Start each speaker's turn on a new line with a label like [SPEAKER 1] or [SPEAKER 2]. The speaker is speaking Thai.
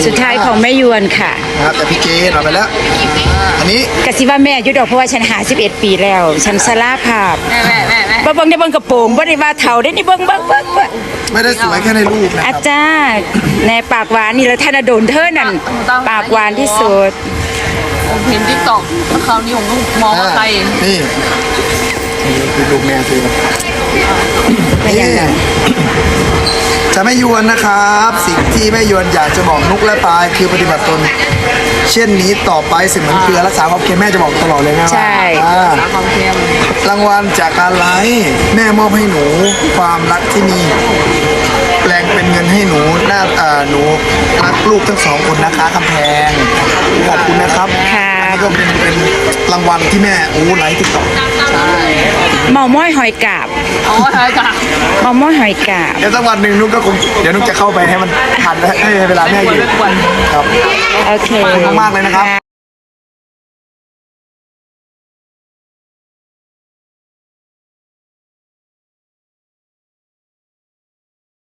[SPEAKER 1] สุดท้ายของแม่ยวนค่ะ
[SPEAKER 2] นะครับแต่พี่เกณฑ์เอาไปแล้วอันนี้
[SPEAKER 1] กะสิว่าแม่อยุดอกเพราะว่าฉัน51 ปีแล้ว ฉันสลาภาพ
[SPEAKER 3] แม่
[SPEAKER 1] บ่เบิ่งได้เบิ่งกระโปรงบ่ได้ว่าเฒ่าได้นี่เบิ่ง
[SPEAKER 2] ไม่ได้สวยแค่ในรูปนะค
[SPEAKER 1] อา
[SPEAKER 2] รับ
[SPEAKER 1] จารย์ในปากหวานนี่แล้วธนดลเธอนั่นปากหวานที่สุด
[SPEAKER 3] ผมเห็นติ๊กต็อกคราวนี้ผมก็มองว่าใคร
[SPEAKER 2] นี่คือลูกแม่คือ
[SPEAKER 1] เป็นยังไง
[SPEAKER 2] จะไม่ยวนนะครับ สิ่งที่แม่ยวนอยากจะบอกนุกและปายคือปฏิบัติตน เช่นนี้ต่อไปสิ่งเหมือนเกลือรักษาความเค็มแม่จะบอกตลอดเลยนะว่า
[SPEAKER 1] ใช่
[SPEAKER 3] ความเค็ม
[SPEAKER 2] รางวัลจากการไลฟ์แม่มอบให้หนูความรักที่มีแปลงเป็นเงินให้หนูหนูรักลูกทั้งสองคนนะคะคำแพงขอบคุณนะครับ
[SPEAKER 1] ค่ะ
[SPEAKER 2] อันนี้ก็เป็นรางวัลที่แม่ไลฟ์ติ๊กต็อก
[SPEAKER 1] เมาม้อยหอยกาบ
[SPEAKER 3] อ๋อใช่จ้ะ
[SPEAKER 1] เมาม้อยหอยกาบ
[SPEAKER 2] เดี๋ยวสักวันหนึ่งนุกก็คงเดี๋ยวนุกจะเข้าไปให้มันทันและให้เวลาแม่อยู่ครับ
[SPEAKER 1] โอเค
[SPEAKER 2] ขอบคุณมากๆเลยนะครับ